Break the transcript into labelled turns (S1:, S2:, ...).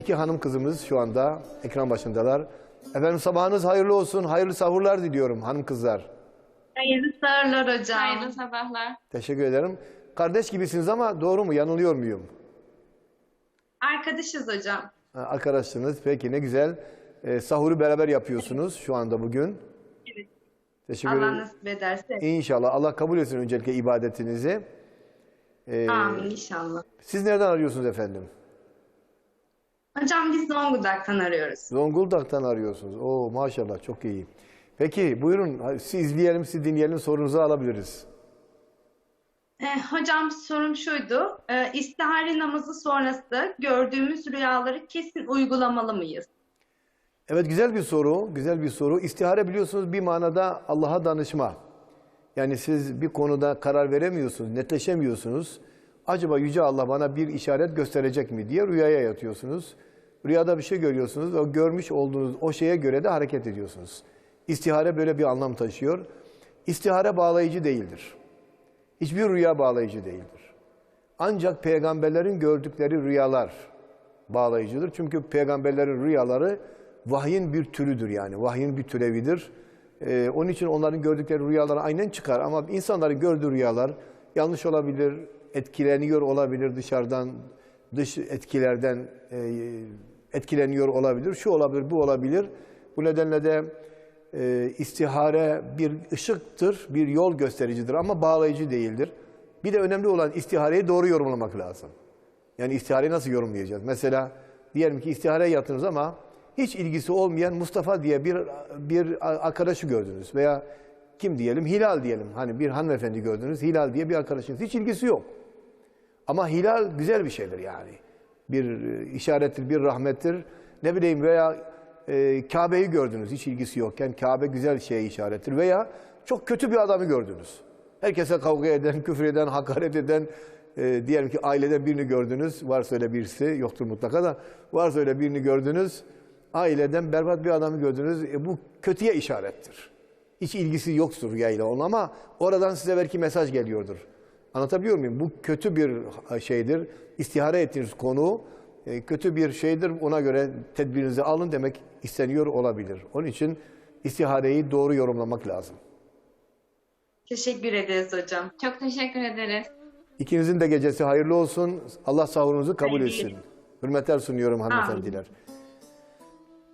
S1: İki hanım kızımız şu anda ekran başındalar. Efendim sabahınız hayırlı olsun. Hayırlı sahurlar diliyorum hanım kızlar.
S2: Hayırlı sahurlar hocam.
S3: Hayırlı sabahlar.
S1: Teşekkür ederim. Kardeş gibisiniz ama doğru mu? Yanılıyor muyum?
S2: Arkadaşız hocam.
S1: Arkadaşsınız. Peki ne güzel. Sahuru beraber yapıyorsunuz şu anda bugün.
S2: Evet.
S1: Teşekkür
S2: Allah
S1: ederim.
S2: nasip ederse.
S1: İnşallah. Allah kabul etsin öncelikle ibadetinizi.
S2: Amin inşallah.
S1: Siz nereden arıyorsunuz efendim?
S2: Hocam biz Zonguldak'tan arıyoruz.
S1: Zonguldak'tan arıyorsunuz. Oo maşallah çok iyi. Peki buyurun siz izleyelim, siz dinleyelim, sorunuzu alabiliriz.
S2: Hocam sorum şuydu. İstihare namazı sonrası gördüğümüz rüyaları kesin uygulamalı mıyız?
S1: Evet güzel bir soru, güzel bir soru. İstihare biliyorsunuz bir manada Allah'a danışma. Yani siz bir konuda karar veremiyorsunuz, netleşemiyorsunuz. Acaba Yüce Allah bana bir işaret gösterecek mi diye rüyaya yatıyorsunuz. Rüyada bir şey görüyorsunuz. O görmüş olduğunuz o şeye göre de hareket ediyorsunuz. İstihare böyle bir anlam taşıyor. İstihare bağlayıcı değildir. Hiçbir rüya bağlayıcı değildir. Ancak peygamberlerin gördükleri rüyalar bağlayıcıdır. Çünkü peygamberlerin rüyaları vahyin bir türüdür yani. Vahyin bir türevidir. Onun için onların gördükleri rüyalar aynen çıkar. Ama insanların gördüğü rüyalar yanlış olabilir, etkileniyor olabilir dışarıdan, dış etkilerden etkileniyor olabilir. Şu olabilir, bu olabilir. Bu nedenle de istihare bir ışıktır, bir yol göstericidir ama bağlayıcı değildir. Bir de önemli olan istihareyi doğru yorumlamak lazım. Yani istihareyi nasıl yorumlayacağız? Mesela diyelim ki istihareye yattınız ama hiç ilgisi olmayan Mustafa diye bir arkadaşı gördünüz veya kim diyelim? Hilal diyelim. Hani bir hanımefendi gördünüz. Hilal diye bir arkadaşınız. Hiç ilgisi yok. Ama hilal güzel bir şeydir yani. Bir işarettir, bir rahmettir. Ne bileyim veya Kabe'yi gördünüz. Hiç ilgisi yokken Kabe güzel şeye işarettir. Veya çok kötü bir adamı gördünüz. Herkese kavga eden, küfür eden, hakaret eden, diyelim ki aileden birini gördünüz. Varsa öyle birisi, yoktur mutlaka da. Varsa öyle birini gördünüz. Aileden berbat bir adamı gördünüz. Bu kötüye işarettir. Hiç ilgisi yoktur rüyayla onun ama oradan size belki mesaj geliyordur. Anlatabiliyor muyum? Bu kötü bir şeydir. İstihare ettiğiniz konu kötü bir şeydir. Ona göre tedbirinizi alın demek isteniyor olabilir. Onun için istihareyi doğru yorumlamak lazım.
S2: Teşekkür ederiz hocam.
S3: Çok teşekkür ederiz.
S1: İkinizin de gecesi hayırlı olsun. Allah sahurunuzu kabul
S2: Hayırlı.
S1: etsin. Hürmetler sunuyorum hanımefendiler.
S2: Amin.